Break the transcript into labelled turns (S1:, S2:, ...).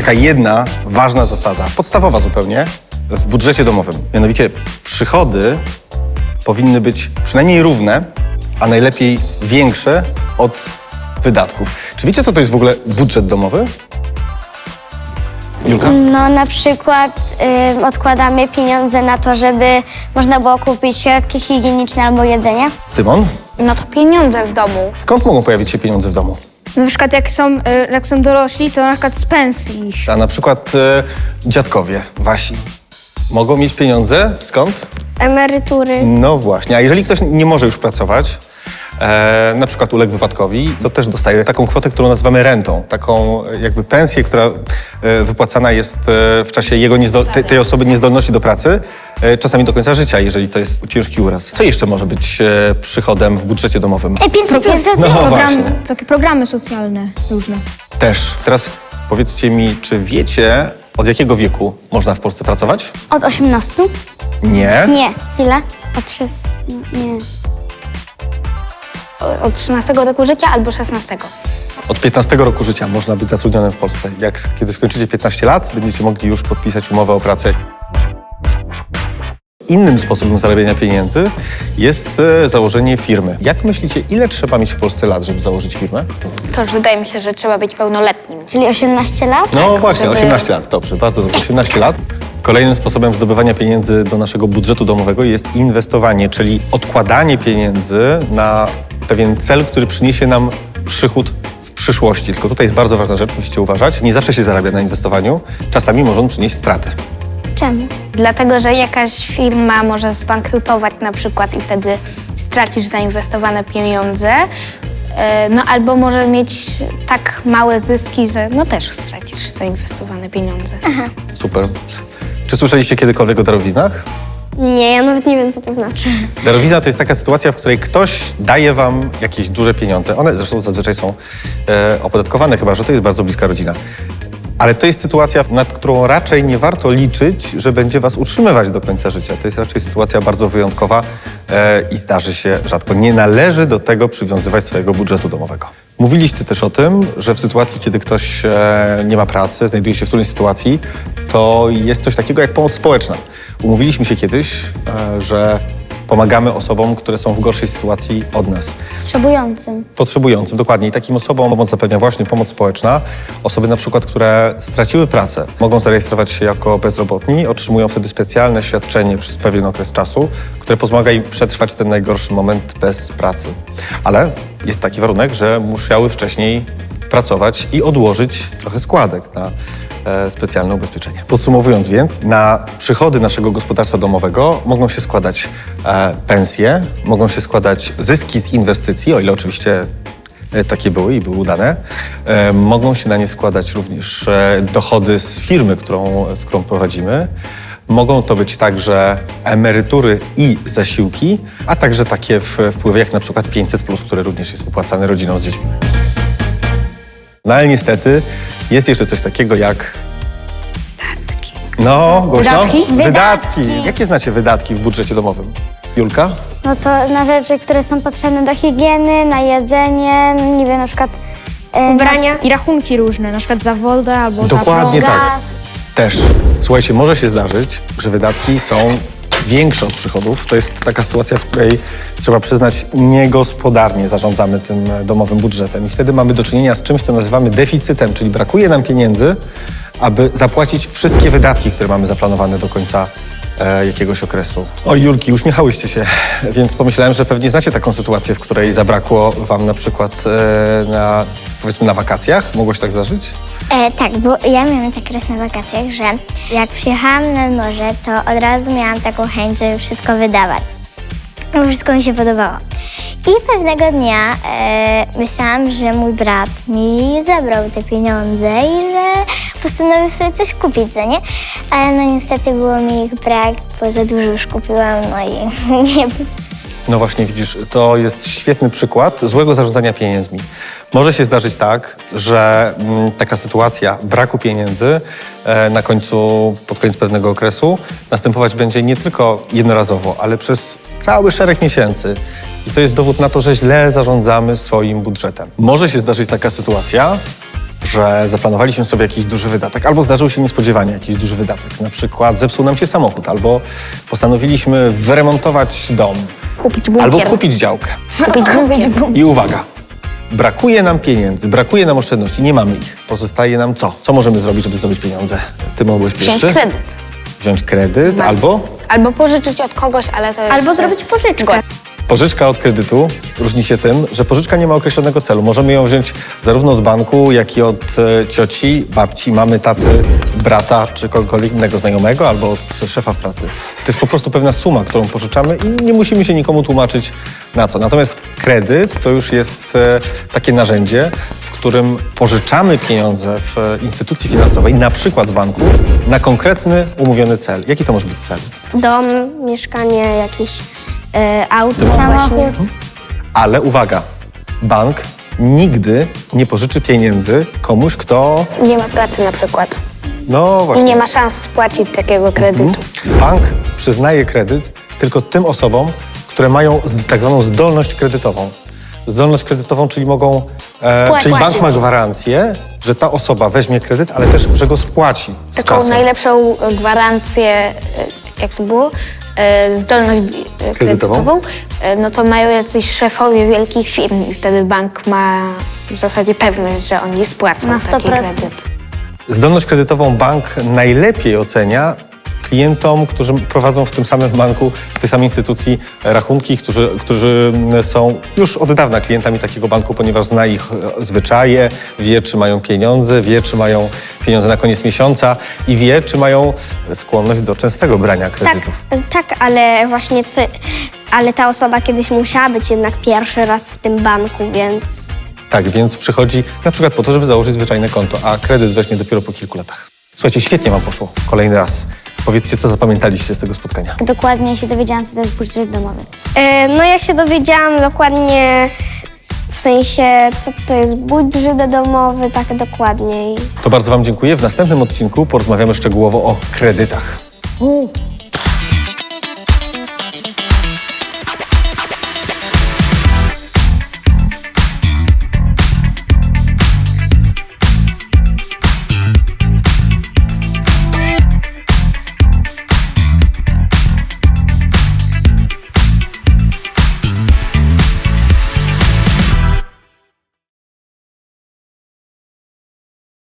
S1: taka jedna ważna zasada, podstawowa zupełnie, w budżecie domowym. Mianowicie przychody powinny być przynajmniej równe, a najlepiej większe od wydatków. Czy wiecie, co to jest w ogóle budżet domowy? Julka?
S2: No na przykład odkładamy pieniądze na to, żeby można było kupić środki higieniczne albo jedzenie.
S1: Tymon?
S3: No to pieniądze w domu.
S1: Skąd mogą pojawić się pieniądze w domu?
S4: Na przykład jak są dorośli, to na przykład z pensji ich.
S1: A na przykład dziadkowie wasi mogą mieć pieniądze skąd?
S2: Z emerytury.
S1: No właśnie, a jeżeli ktoś nie może już pracować, na przykład uległ wypadkowi, to też dostaje taką kwotę, którą nazywamy rentą. Taką jakby pensję, która wypłacana jest w czasie jego tej osoby niezdolności do pracy, czasami do końca życia, jeżeli to jest ciężki uraz. Co jeszcze może być przychodem w budżecie domowym?
S2: 500
S1: No właśnie.
S4: Takie programy socjalne różne.
S1: Też. Teraz powiedzcie mi, czy wiecie, od jakiego wieku można w Polsce pracować?
S2: Od 18?
S1: Nie.
S2: Nie. Ile? Od 6... Nie.
S3: Od 13 roku życia albo 16.
S1: Od 15 roku życia można być zatrudnionym w Polsce. Kiedy skończycie 15 lat, będziecie mogli już podpisać umowę o pracę. Innym sposobem zarabiania pieniędzy jest założenie firmy. Jak myślicie, ile trzeba mieć w Polsce lat, żeby założyć firmę?
S3: To już wydaje mi się, że trzeba być pełnoletnim.
S2: Czyli 18 lat?
S1: No właśnie,
S3: żeby-
S1: 18 lat. Dobrze, bardzo dobrze. 18 lat. Kolejnym sposobem zdobywania pieniędzy do naszego budżetu domowego jest inwestowanie, czyli odkładanie pieniędzy na pewien cel, który przyniesie nam przychód w przyszłości. Tylko tutaj jest bardzo ważna rzecz, musicie uważać. Nie zawsze się zarabia na inwestowaniu. Czasami może on przynieść straty.
S2: Czemu?
S3: Dlatego, że jakaś firma może zbankrutować na przykład i wtedy stracisz zainwestowane pieniądze. No albo może mieć tak małe zyski, że no też stracisz zainwestowane pieniądze.
S1: Super. Czy słyszeliście kiedykolwiek o darowiznach?
S2: Nie, ja nawet nie wiem, co to znaczy.
S1: Darowizna to jest taka sytuacja, w której ktoś daje wam jakieś duże pieniądze. One zresztą zazwyczaj są opodatkowane, chyba że to jest bardzo bliska rodzina. Ale to jest sytuacja, nad którą raczej nie warto liczyć, że będzie was utrzymywać do końca życia. To jest raczej sytuacja bardzo wyjątkowa i zdarzy się rzadko. Nie należy do tego przywiązywać swojego budżetu domowego. Mówiliście też o tym, że w sytuacji, kiedy ktoś nie ma pracy, znajduje się w trudnej sytuacji, to jest coś takiego jak pomoc społeczna. Umówiliśmy się kiedyś, że pomagamy osobom, które są w gorszej sytuacji od nas.
S2: Potrzebującym.
S1: Potrzebującym, dokładnie. I takim osobom pomoc zapewnia właśnie pomoc społeczna. Osoby na przykład, które straciły pracę, mogą zarejestrować się jako bezrobotni, otrzymują wtedy specjalne świadczenie przez pewien okres czasu, które pomaga im przetrwać ten najgorszy moment bez pracy. Ale jest taki warunek, że musiały wcześniej pracować i odłożyć trochę składek na specjalne ubezpieczenie. Podsumowując więc, na przychody naszego gospodarstwa domowego mogą się składać pensje, mogą się składać zyski z inwestycji, o ile oczywiście takie były i były udane. Mogą się na nie składać również dochody z firmy, z którą prowadzimy. Mogą to być także emerytury i zasiłki, a także takie wpływy jak na przykład 500+, które również jest wypłacane rodzinom z dziećmi. No ale niestety jest jeszcze coś takiego jak... No, głośno?
S4: Wydatki?
S1: Wydatki. Jakie znacie wydatki w budżecie domowym? Julka?
S2: No to na rzeczy, które są potrzebne do higieny, na jedzenie, nie wiem, na przykład ubrania.
S4: I rachunki różne, na przykład za wodę albo
S1: Dokładnie
S4: za
S1: tak.
S2: Gaz.
S1: Też. Słuchajcie, może się zdarzyć, że wydatki są większe od przychodów. To jest taka sytuacja, w której trzeba przyznać, niegospodarnie zarządzamy tym domowym budżetem. I wtedy mamy do czynienia z czymś, co nazywamy deficytem, czyli brakuje nam pieniędzy, aby zapłacić wszystkie wydatki, które mamy zaplanowane do końca jakiegoś okresu. Oj, Julki, uśmiechałyście się, więc pomyślałem, że pewnie znacie taką sytuację, w której zabrakło wam na przykład powiedzmy na wakacjach. Mogło się tak zdarzyć?
S5: Tak, bo ja miałam tak raz na wakacjach, że jak przyjechałam nad morze, to od razu miałam taką chęć, żeby wszystko wydawać. Bo wszystko mi się podobało. I pewnego dnia myślałam, że mój brat mi zabrał te pieniądze i że postanowił sobie coś kupić, co nie? Ale no niestety było mi ich brak, bo za dużo już kupiłam, no i nie.
S1: No właśnie, widzisz, to jest świetny przykład złego zarządzania pieniędzmi. Może się zdarzyć tak, że taka sytuacja braku pieniędzy pod koniec pewnego okresu następować będzie nie tylko jednorazowo, ale przez cały szereg miesięcy. I to jest dowód na to, że źle zarządzamy swoim budżetem. Może się zdarzyć taka sytuacja, że zaplanowaliśmy sobie jakiś duży wydatek, albo zdarzył się niespodziewanie jakiś duży wydatek, na przykład zepsuł nam się samochód, albo postanowiliśmy wyremontować dom,
S3: Kupić bunkier.
S1: albo kupić działkę.
S3: Kupić bunkier.
S1: I uwaga, brakuje nam pieniędzy, brakuje nam oszczędności, nie mamy ich. Pozostaje nam co? Co możemy zrobić, żeby zdobyć pieniądze? Ty mogłeś
S3: Wziąć
S1: pierwszy?
S3: kredyt.
S1: Wziąć kredyt albo
S3: Albo pożyczyć od kogoś, ale to jest...
S4: Albo zrobić pożyczkę.
S1: pożyczka od kredytu różni się tym, że pożyczka nie ma określonego celu. Możemy ją wziąć zarówno od banku, jak i od cioci, babci, mamy, taty, brata czy kogokolwiek innego znajomego albo od szefa w pracy. To jest po prostu pewna suma, którą pożyczamy i nie musimy się nikomu tłumaczyć na co. Natomiast kredyt to już jest takie narzędzie, w którym pożyczamy pieniądze w instytucji finansowej, na przykład w banku, na konkretny, umówiony cel. Jaki to może być cel?
S2: Dom, mieszkanie, jakieś auto, samochód.
S1: Ale uwaga, bank nigdy nie pożyczy pieniędzy komuś, kto,
S3: Nie ma pracy na przykład.
S1: no
S3: I
S1: właśnie,
S3: nie ma szans spłacić takiego kredytu.
S1: bank przyznaje kredyt tylko tym osobom, które mają tak zwaną zdolność kredytową. Zdolność kredytową, czyli mogą, czyli bank ma gwarancję, że ta osoba weźmie kredyt, ale też, że go spłaci z
S3: Taką
S1: czasem.
S3: najlepszą gwarancję, jak to było, zdolność kredytową, no to mają jacyś szefowie wielkich firm i wtedy bank ma w zasadzie pewność, że oni spłacą
S2: Na
S3: taki
S2: 100%.
S3: kredyt.
S1: Zdolność kredytową bank najlepiej ocenia klientom, którzy prowadzą w tym samym banku, w tej samej instytucji rachunki, którzy są już od dawna klientami takiego banku, ponieważ zna ich zwyczaje, wie, czy mają pieniądze, wie, czy mają pieniądze na koniec miesiąca i wie, czy mają skłonność do częstego brania kredytów.
S2: Tak, ale właśnie ale ta osoba kiedyś musiała być jednak pierwszy raz w tym banku, więc
S1: Tak, więc przychodzi na przykład po to, żeby założyć zwyczajne konto, a kredyt weźmie dopiero po kilku latach. Słuchajcie, świetnie wam poszło. Kolejny raz. Powiedzcie, co zapamiętaliście z tego spotkania.
S5: Dokładnie się dowiedziałam, co to jest budżet domowy.
S2: no ja się dowiedziałam dokładnie, w sensie co to jest budżet domowy, tak dokładniej.
S1: To bardzo wam dziękuję. W następnym odcinku porozmawiamy szczegółowo o kredytach.